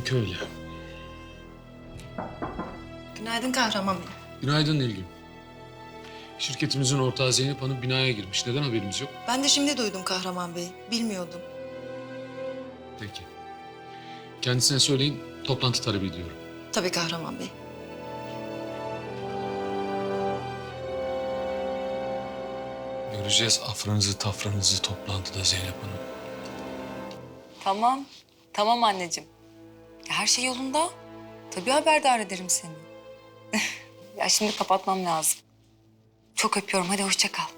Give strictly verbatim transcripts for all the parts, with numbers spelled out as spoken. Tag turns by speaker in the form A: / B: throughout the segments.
A: Demek öyle.
B: Günaydın Kahraman Bey.
A: Günaydın Nilgün. Şirketimizin ortağı Zeynep Hanım binaya girmiş. Neden haberimiz yok?
B: Ben de şimdi duydum Kahraman Bey. Bilmiyordum.
A: Peki. Kendisine söyleyin, toplantı talep ediyorum.
B: Tabii Kahraman Bey.
A: Göreceğiz afranızı tafranızı toplantıda Zeynep Hanım.
C: Tamam. Tamam anneciğim. Her şey yolunda. Tabii haberdar ederim seni. Ya şimdi kapatmam lazım. Çok öpüyorum. Hadi hoşça kal.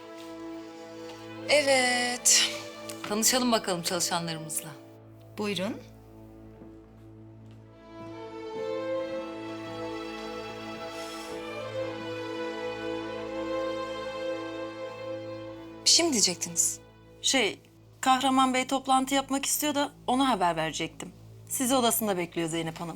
C: Evet. Tanışalım bakalım çalışanlarımızla.
B: Buyurun.
C: Bir şey mi diyecektiniz?
D: Şey, Kahraman Bey toplantı yapmak istiyor da ona haber verecektim. Sizi odasında bekliyor Zeynep Hanım.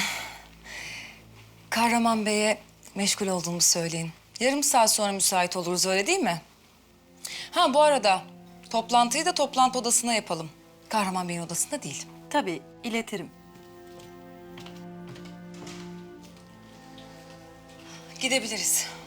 C: Kahraman Bey'e meşgul olduğumu söyleyin. Yarım saat sonra müsait oluruz, öyle değil mi? Ha, bu arada toplantıyı da toplantı odasına yapalım. Kahraman Bey'in odasında değil.
D: Tabii, iletirim.
C: Gidebiliriz.